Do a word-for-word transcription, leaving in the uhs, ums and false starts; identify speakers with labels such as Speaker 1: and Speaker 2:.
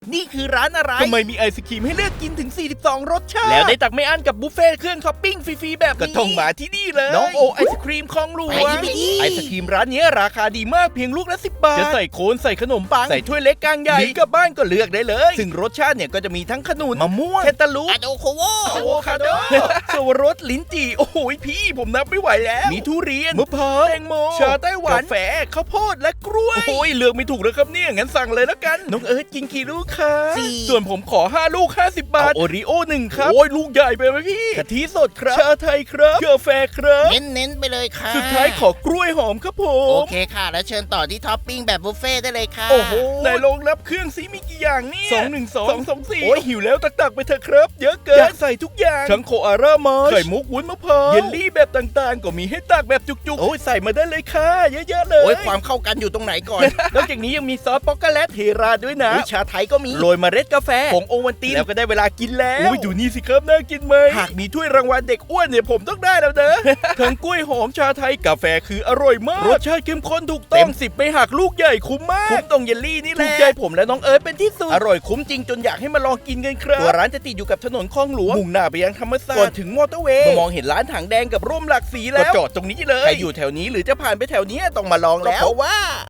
Speaker 1: นี่คือร้านอะไร
Speaker 2: ทำไมมีไอศครีมให้เลือกกินถึงสี่สิบสองรสชาติ
Speaker 1: แล้วได้ตักไม่อั้นกับบุฟเฟ่ต์เครื่องท็อปปิ้งฟรีๆแบบนี้
Speaker 2: ก็ต้องมาที่นี่เลย
Speaker 1: น้องโอไอศครีมคลองหลว
Speaker 2: ไป
Speaker 1: ง
Speaker 2: ดิไปดิ
Speaker 1: ไอศครีมร้านนี้ราคาดีมากเพียงลูกละสิบบาทจะใส่โคนใส่ขนมปังใส่ถ้วยเล็กกลางใหญ่หรือกลับบ้านก็เลือกได้เลย ซึ่งรสชาติเนี่ยก็จะมีทั้งขนุนมะม่วงแคนตาลูป
Speaker 3: อะโดโคโว
Speaker 1: อะโวคาโดสวรสลิ้นจี่โอ้โหพี่ผมนับไม่ไหวแล้วมีทุเรียนมะพร้าวแตงโมชาไต้หวันกาแฟข้าวโพดและกล้วยโอ้ยเลือกไม่ถูกแล้วครับเนี่ยงั้นสั่งเลยแล้วกันน้องเอิร์ธกินกี่ลูกคะ
Speaker 3: สี่
Speaker 1: ส่วนผมขอห้าลูกห้าสิบบาทโอริโอหนึ่งครับโอ้ยลูกใหญ่ไปไหมพี่กะทิสดครับชาไทยครับกาแฟครับ
Speaker 3: เน้นๆไปเลยค่ะ
Speaker 1: สุดท้ายขอกล้วยหอมครับผ
Speaker 3: โอ
Speaker 1: ม
Speaker 3: เคค่ะ แล้วเชิญต่อที่ท็อปปิ้งแบบบุฟเฟ่ต์ได้เลยค่ะ
Speaker 1: โอ้โหในโรงรับเครื่องซีมีกี่อย่างเนี่ยสองหนึ่งสองสองสองสี่โอ้ยหิวแล้วตักๆไปเถอะครับ เยอะเกินอยากใส่ทุกอย่างทั้งโคอาร่ามาไข่มุกวุ้นมะพร้าวเยลลี่แบบต่างๆ ก็มีให้ตักแบบจุกๆโอ้ยใส่มาได้เลยค่ะเยอะๆเลย
Speaker 3: โอ้ยความเข้ากันอยู่ตรงไหนก่อน
Speaker 1: นอกจากนี้ยังมีซอสป๊อกโกแลตเทราด้วยนะชาไทยก็มีโรยเมล็ดกาแฟผงโอวัลตินแล้วก็ได้เวลากินแล้วอุ้ยดูนี่สิครับน่ากินไหมหากมีถ้วยรางวัลเด็กอ้วนเนี่ยผมต้องได้แล้วเด้อ ทั้งกล้วยหอมชาไทยกาแฟคืออร่อยมากรสชาติเข้มข้นถูกต้องเต็มสิบไปหักลูกใหญ่คุ้มมากคุ้มตรงเยลลี่นี่แหละถูกใจผมและน้องเอิร์ธเป็นที่สุดอร่อยคุ้มจริงจนอยากให้มาลองกินกันครับตัวร้านจะติดอยู่กับถนนคลองหลวงมุ่งหน้าไปยังธรรมศาสตร์ก่อนถึงมอเตอร์เวย์มองเห็นร้านถังแดงกับร่มหลากสีแล้วก็จอดตรงนี้เลยใครอยู่แถวนี้หรือจะผ่านไปแถวนี้ต้องมาลองแล้วเพราะว่า